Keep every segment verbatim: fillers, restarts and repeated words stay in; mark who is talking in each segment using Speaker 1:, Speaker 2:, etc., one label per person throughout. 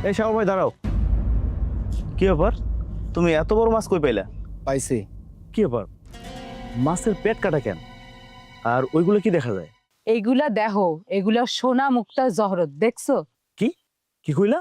Speaker 1: এই সাগর ভাই দাঁড়াও। কি ব্যাপার, তুমি এত বড় মাছ কই পাইলা?
Speaker 2: পাইছি।
Speaker 1: কি ব্যাপার, মাছের পেট কাটা কেন? আর ওইগুলো কি দেখা যায়?
Speaker 3: এইগুলা দেখো, এগুলা সোনা মুক্তা জহরত, দেখছো?
Speaker 1: কি কি কইলা?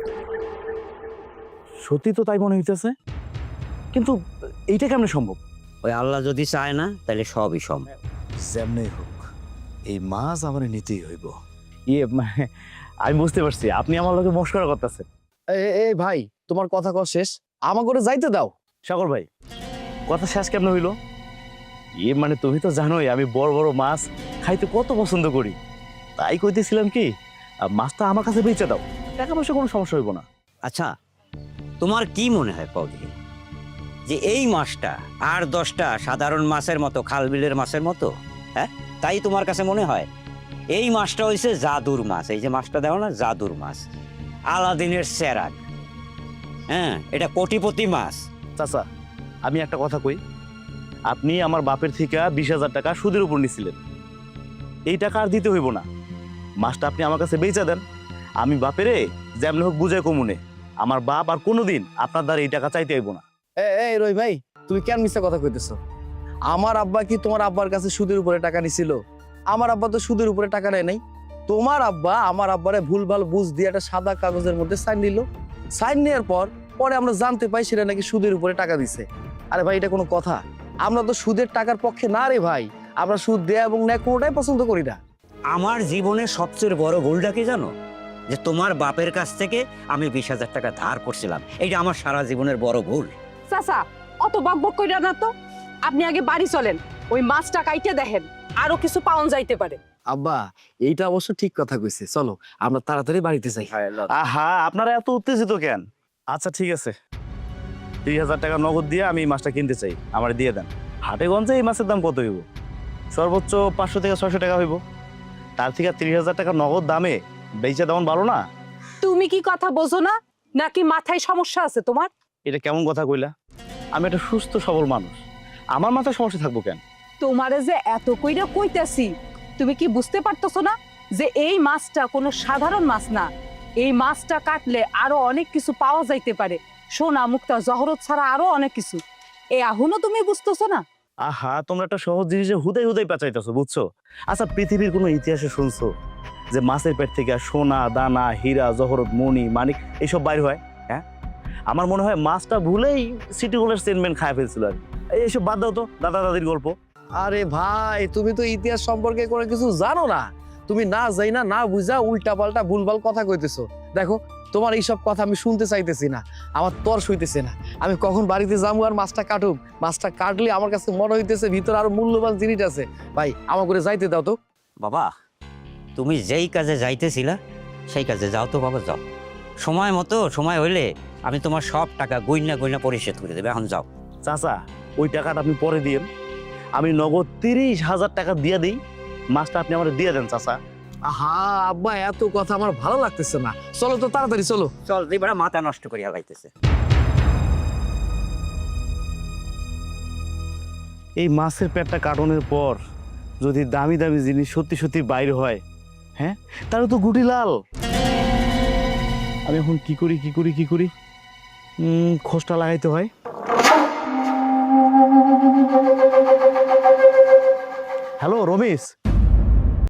Speaker 1: সত্যি তো তাই মনে হইতেছে, কিন্তু এইটা কেমনে সম্ভব?
Speaker 4: ওই আল্লাহ যদি চায় না তাহলে সবই সম্ভব।
Speaker 2: যেমনি হোক এই মাছ আমার নিতেই হইব।
Speaker 1: ইয়ে মানে আমি বুঝতে পারছি আপনি আমার লোকে মস্করা করতেছেন।
Speaker 2: এই ভাই, তোমার কথা কও শেষ, আমা করে যাইতে দাও।
Speaker 1: সাগর ভাই, কথা শেষ কেমনে হইলো? ইয়ে মানে তুমি তো জানোই আমি বড় বড় মাছ খাইতে কত পছন্দ করি, তাই কইতেছিলাম কি আহ, মাছটা আমার কাছে বেচে দাও, টাকা পয়সা কোনো সমস্যা হইব না।
Speaker 4: আচ্ছা, তোমার কি মনে হয় পৌধি, যে এই মাছটা আর দশটা সাধারণ মাছের মতো, খাল বিলের মাছের মতো? হ্যাঁ, তাই তোমার কাছে মনে হয়? এই মাছটা হইছে জাদুর মাছ। এই যে মাছটা দেখো না, জাদুর মাছ, আলাদিনের চেরাগ। হ্যাঁ, এটা কোটিপতি মাছ।
Speaker 1: চাচা, আমি একটা কথা কই, আপনি আমার বাপের থেকে বিশ হাজার টাকা সুদের উপর নিছিলেন, এই টাকা আর দিতে হইব না। মাছটা আপনি আমার কাছে বেচা দেন, আমি বাপেরে যেমন হোক বুঝাই কমুনে, আমার বাপ আর কোনোদিন আপনার দ্বারা এই টাকা চাইতে হইব না।
Speaker 2: এই রই ভাই, তুমি কেন মিথ্যা কথা কইতেছো? আমার আব্বা কি তোমার আব্বার কাছে সুদের উপরে টাকা নিছিল? আমার আব্বা তো সুদের উপরে টাকা নেয় নাই। তোমার আব্বা আমার আব্বারে ভুলভাল বুঝ দিয়ে একটা সাদা কাগজের মধ্যে সাইন নিল। সাইন নেওয়ার পর পরে আমরা জানতে পাই সেটা নাকি সুদের উপরে টাকা দিছে। আরে ভাই, এটা কোনো কথা? আমরা তো সুদের টাকার পক্ষে না রে ভাই, আমরা সুদ দেয়া এবং নেয় কোনোটাই পছন্দ করি না।
Speaker 4: আমার জীবনের সবচেয়ে বড় ভুলটা কি জানো? যে তোমার বাপের কাছ থেকে আমি বিশ হাজার টাকা ধার করছিলাম। এইটা আমার সারা জীবনের বড় ভুল।
Speaker 3: চাচা, অত বকবক কইরা না তো, আপনি আগে বাড়ি চলেন, ওই মাছটা কাইটে দেখেন, আরো কিছু পাওন যাইতে পারে।
Speaker 2: আব্বা, এইটা অবশ্য ঠিক কথা কইছে, চলো আমরা তাড়াতাড়ি বাড়িতে যাই।
Speaker 1: আহা, আপনারা এত উত্তেজিত কেন? আচ্ছা ঠিক আছে, তিরিশ হাজার টাকা নগদ দিয়ে আমি এই মাছটা কিনতে চাই, আমার দিয়ে দেন। হাটে গঞ্জে এই মাছের দাম কত হইব? সর্বোচ্চ পাঁচশো থেকে ছয়শো টাকা হইব। তার থেকে তিরিশ হাজার টাকা নগদ দামে বেচে দেওয়ান ভালো না?
Speaker 3: তুমি কি কথা বোঝো না, নাকি মাথায় সমস্যা আছে তোমার?
Speaker 1: এটা কেমন কথা কইলা? আমি একটা সুস্থ সবল মানুষ, আমার মাথায় সমস্যা থাকবো কেন?
Speaker 3: তোমারে যে এত কইরা কইতাছি, তুমি কি বুঝতে পারতেছো না যে এই মাছটা কোনো সাধারণ মাছ না? এই মাছটা কাটলে আরো অনেক কিছু পাওয়া যাইতে পারে, সোনা মুক্তা জহরত ছাড়া আরো অনেক কিছু। এ এখনো তুমি বুঝতেছো না?
Speaker 1: আহা, তোমরা একটা সহজ জিনিসে হুদাই হুদাই পেঁচাইতেছো, বুঝছো? আচ্ছা, পৃথিবীর কোনো ইতিহাসে শুনছো যে মাছের পেট থেকে সোনা দানা হীরা জহরত মণি মানিক এইসব বাইর হয়? হ্যাঁ, আমার মনে হয় মাছটা ভুলেই সিটি হলের চেয়ারম্যান খায় ফেলছিল আর কি। এইসব বাদ দাও তো, দাদা দাদির গল্প।
Speaker 2: আরে ভাই, তুমি তো ইতিহাস সম্পর্কে কোনো কিছু জানো না। তুমি না যাই না না বুঝা উল্টা পাল্টা ভুলভাল কথা কইতেছো। দেখো, তোমার এইসব কথা আমি শুনতে চাইতেছি না, আমার তর সইতেছে না। আমি কখন বাড়িতে যাবো আর মাছটা কাটুম। মাছটা কাটলে আমার কাছে মনে হইতেছে ভিতরে আরো মূল্যবান জিনিস আছে। ভাই, আমার করে যাইতে দাও তো।
Speaker 4: বাবা, তুমি যেই কাজে যাইতেছিলা সেই কাজে যাও তো বাবা, যাও। সময় মতো সময় হইলে আমি তোমার সব টাকা গইনা গইনা পরিশোধ করে দেবে। এখন যাও।
Speaker 1: চাচা, ওই টাকাটা আপনি পরে দিয়েন, আমি নগদ তিরিশ হাজার টাকা দিয়ে দিই, মাছটা আপনি আমার দিয়ে দেন চাচা।
Speaker 2: আহা আব্বা, এত কথা আমার ভালো লাগতেছে না, চলো তো তাড়াতাড়ি চলো।
Speaker 4: চল, এবার মাথা নষ্ট করিয়া লাইতেছে।
Speaker 1: এই মাছের পেটটা কাটনের পর যদি দামি দামি জিনিস সত্যি সত্যি বাইরে হয়, হ্যাঁ, তাহলে তো গুটি লাল। আমি এখন কি করি কি করি কি করি উম, খোঁজটা লাগাইতে হয়। হ্যালো রমেশ,